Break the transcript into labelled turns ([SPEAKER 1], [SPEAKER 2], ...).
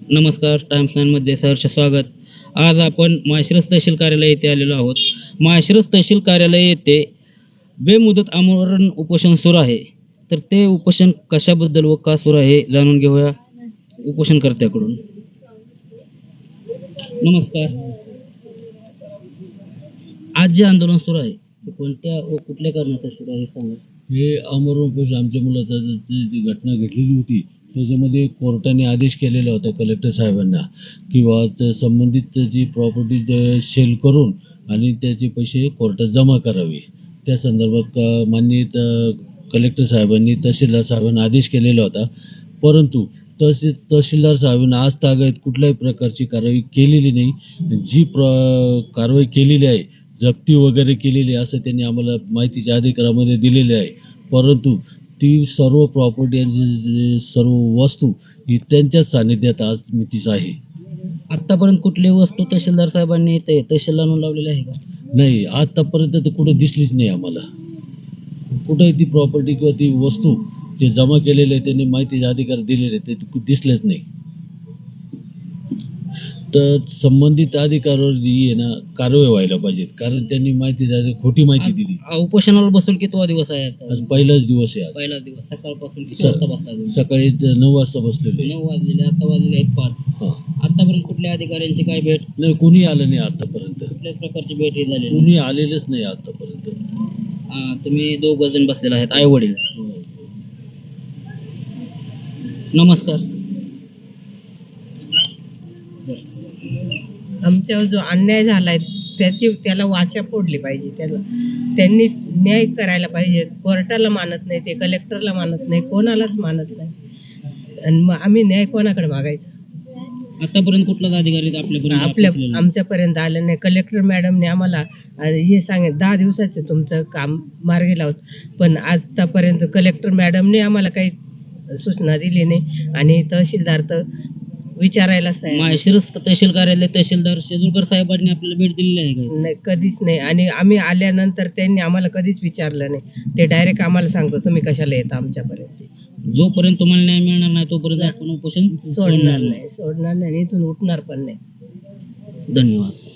[SPEAKER 1] नमस्कार. टाइम्स नाईनमध्ये सहर्ष स्वागत. आज आपण माळशिरस तहसील कार्यालय येथे आलेलो आहोत. माळशिरस तहसील कार्यालय येथे बेमुदत आमरण उपोषण सुरू आहे. तर ते उपोषण कशाबद्दल व का सुरू आहे जाणून घेऊया उपोषणकर्त्याकडून. नमस्कार. आज जे आंदोलन सुरू आहे ते कोणत्या व कुठल्या कारणासाठी सुरू आहे सांगा.
[SPEAKER 2] हे आमरण उपोषण आमच्या मुलाचा जी घटना घडलेली होती त्याच्यामध्ये कोर्टाने आदेश केलेला होता कलेक्टर साहेबांना किंवा संबंधित जी प्रॉपर्टी सेल करून आणि त्याचे पैसे कोर्टात जमा करावे. त्या संदर्भात माननीय कलेक्टर साहेबांनी तहसीलदार साहेबांना आदेश केलेला होता. परंतु तहसीलदार साहेबांनी आज तागायत कुठल्याही प्रकारची कारवाई केलेली नाही. जी कारवाई केलेली आहे जप्ती वगैरे केलेली असं त्यांनी आम्हाला माहितीच्या अधिकारामध्ये दिलेले आहे. परंतु ती सर्व प्रॉपर्टी आणि सर्व वस्तू ही त्यांच्याच सानिध्यात आज मितीस आहे.
[SPEAKER 1] आतापर्यंत कुठली वस्तू तहसीलदार साहेबांनी तहसीलला आणून लावलेली आहे का?
[SPEAKER 2] नाही, आतापर्यंत तर कुठं दिसलीच नाही आम्हाला. कुठंही ती प्रॉपर्टी किंवा ती वस्तू जे जमा केलेले आहे त्यांनी माहितीचे अधिकार दिलेले ते दिसलेच नाही. तर संबंधित अधिकाऱ्यावर जी आहे ना कारवाई व्हायला पाहिजे, कारण त्यांनी खोटी माहिती दिली.
[SPEAKER 1] उपोषणाला बसून कितवा दिवस आहे आता?
[SPEAKER 2] आज पहिलाच दिवस आहे.
[SPEAKER 1] पहिला दिवस. सकाळपासून किती वाजता बसला?
[SPEAKER 2] सकाळी 9 वाजता बसलेलो आहे.
[SPEAKER 1] 9 वाजलेले, आता वाजले आहेत 5. आतापर्यंत कुठल्या अधिकाऱ्यांची काय भेट?
[SPEAKER 2] नाही, कोणी आलं नाही आतापर्यंत.
[SPEAKER 1] कुठल्याच प्रकारची भेट ही झाली
[SPEAKER 2] कोणी आलेलंच नाही आतापर्यंत.
[SPEAKER 1] तुम्ही 2 जण बसलेले आहेत, आई वडील. नमस्कार.
[SPEAKER 3] आमच्यावर जो अन्याय झालाय त्याला वाचा फोडली पाहिजे. त्यांनी न्याय करायला पाहिजे. कोर्टाला मानत नाही ते, कलेक्टरला मानत नाही, कोणालाच मानत नाही. आणि मग आम्ही न्याय कोणाकडे मागायचा?
[SPEAKER 1] आतापर्यंत कुठलाच अधिकारी
[SPEAKER 3] आमच्यापर्यंत आलं नाही. कलेक्टर मॅडमने आम्हाला हे सांगितलं 10 दिवसाचं तुमचं काम मार्गी लावत, पण आतापर्यंत कलेक्टर मॅडमने आम्हाला काही सूचना दिली नाही आणि तहसीलदार तर विचारायलाच नाही.
[SPEAKER 1] माळशिरस तहसील कार्यालय तहसीलदार शेजूरकर साहेबांनी आपल्याला भेट दिलेली आहे का?
[SPEAKER 3] नाही, कधीच नाही. आणि आम्ही आल्यानंतर त्यांनी आम्हाला कधीच विचारलं नाही. ते डायरेक्ट आम्हाला सांगतो तुम्ही कशाला येता आमच्यापर्यंत.
[SPEAKER 1] जोपर्यंत तुम्हाला न्याय मिळणार नाही तोपर्यंत आपण उपोषण
[SPEAKER 3] सोडणार नाही, इथून उठणार पण नाही.
[SPEAKER 1] धन्यवाद.